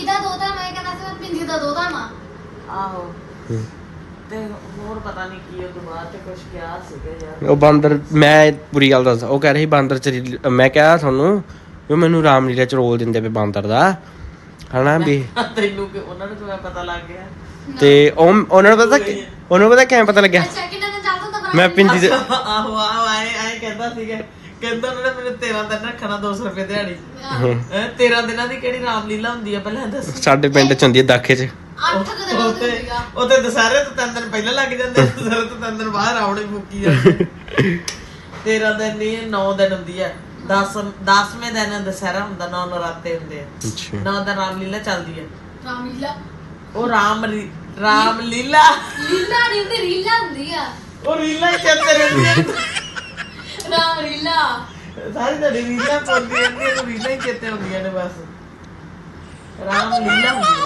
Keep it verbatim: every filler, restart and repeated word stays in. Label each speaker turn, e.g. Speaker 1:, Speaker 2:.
Speaker 1: ਦਾ ਦੋਤਾ ਮੈਂ ਕਹਿੰਦਾ ਸੀ ਮੈਂ ਪਿੰਦੀ ਦਾ ਦੋਤਾ ਮਾਂ
Speaker 2: ਆਹੋ ਤੇ ਹੋਰ ਪਤਾ ਨਹੀਂ ਕੀ ਉਹ ਤੋਂ ਬਾਅਦ ਤੇ ਕੁਝ ਕਿਹਾ ਸੀਗਾ ਯਾਰ
Speaker 3: ਉਹ ਬਾਂਦਰ ਮੈਂ ਪੂਰੀ ਗੱਲ ਦੱਸ ਉਹ ਕਹਿ ਰਹੀ ਬਾਂਦਰ ਚ ਰੀਲ- ਮੈਂ ਕਿਹਾ ਤੁਹਾਨੂੰ ਵੀ ਮੈਨੂੰ ਰਾਮਲੀਲਾ ਚ ਰੋਲ ਦਿੰਦੇ ਪਏ ਬਾਂਦਰ ਦਾ ਹਨਾ ਵੀ
Speaker 2: ਤੈਨੂੰ ਕਿ ਉਹਨਾਂ ਨੂੰ ਕਿਵੇਂ ਪਤਾ ਲੱਗ ਗਿਆ
Speaker 3: ਤੇ ਉਹ ਉਹਨਾਂ ਨੂੰ ਪਤਾ ਕਿ- ਉਹਨਾਂ ਨੂੰ ਪਤਾ ਕਿਵੇਂ ਪਤਾ ਲੱਗਿਆ
Speaker 1: ਅੱਛਾ ਕਿੰਨਾ ਦਿਨ ਚੱਲਦਾ ਤਾਂ
Speaker 3: ਮੈਂ ਪਿੰਦੀ ਦੇ
Speaker 2: ਆਹੋ ਆਹੋ ਆਏ ਆਏ ਕਹਿੰਦਾ ਸੀਗਾ ਕਹਿੰਦਾ ਉਹਨਾਂ ਨੇ ਮੈਨੂੰ ਤੇਰਾਂ ਦਿਨ ਰੱਖਣਾ ਦੋ ਸੌ ਰੁਪਏ ਦਿਹਾੜੀ ਹੈ ਤੇਰਾਂ ਦਿਨਾਂ ਦੀ ਕਿਹੜੀ ਰਾਮਲੀਲਾ ਹੁੰਦੀ ਆ ਪਹਿਲਾਂ ਦੱਸ
Speaker 3: ਸਾਡੇ ਪਿੰਡ ਚ ਹੁੰਦੀ ਹੈ ਦਾਖੇ ਚ
Speaker 1: ਅੱਠ ਕੁ ਦਿਨ
Speaker 2: ਉੱਥੇ
Speaker 1: ਹੁੰਦੀ ਆ
Speaker 2: ਉੱਥੇ ਦੁਸਹਿਰੇ ਤੋਂ ਤਿੰਨ ਦਿਨ ਪਹਿਲਾਂ ਲੱਗ ਜਾਂਦੇ ਦੁਸਹਿਰੇ ਤੋਂ ਤਿੰਨ ਦਿਨ ਬਾਅਦ ਰਾਵਣੇ ਫੂਕੀ ਜਾਂਦੇ ਤੇਰਾਂ ਦਿਨ ਨਹੀਂ ਨੌ ਦਿਨ ਹੁੰਦੀ ਆ ਦਸ ਦਸਵੇਂ ਦਿਨ ਦੁਸਹਿਰਾ ਹੁੰਦਾ ਨੌ ਨਰਾਤੇ ਹੁੰਦੇ ਆ
Speaker 3: ਅੱਛਾ
Speaker 2: ਨੌ ਦਿਨ ਰਾਮਲੀਲਾ ਚੱਲਦੀ ਆ
Speaker 1: ਰਾਮਲੀਲਾ
Speaker 2: ਉਹ ਰਾਮ ਰੀ- ਰਾਮਲੀਲਾ
Speaker 1: ਲੀਲਾ ਨਹੀਂ ਹੁੰਦੀ ਰੀਲਾ ਹੁੰਦੀ ਆ
Speaker 2: ਉਹ ਰੀਲਾਂ ਹੀ ਚੱਲਦੇ ਰਹਿੰਦੀਆਂ
Speaker 1: ਰਾਮਲੀਲਾ
Speaker 2: ਸਾਰੀ ਤੁਹਾਡੀ ਰੀਲਾਂ ਪਾਉਂਦੀ ਰਹਿੰਦੀ ਹੈ ਰੀਲਾਂ ਹੀ ਚੇਤੇ ਹੁੰਦੀਆਂ ਨੇ ਬਸ ਰਾਮਲੀਲਾ ਹੁੰਦੀ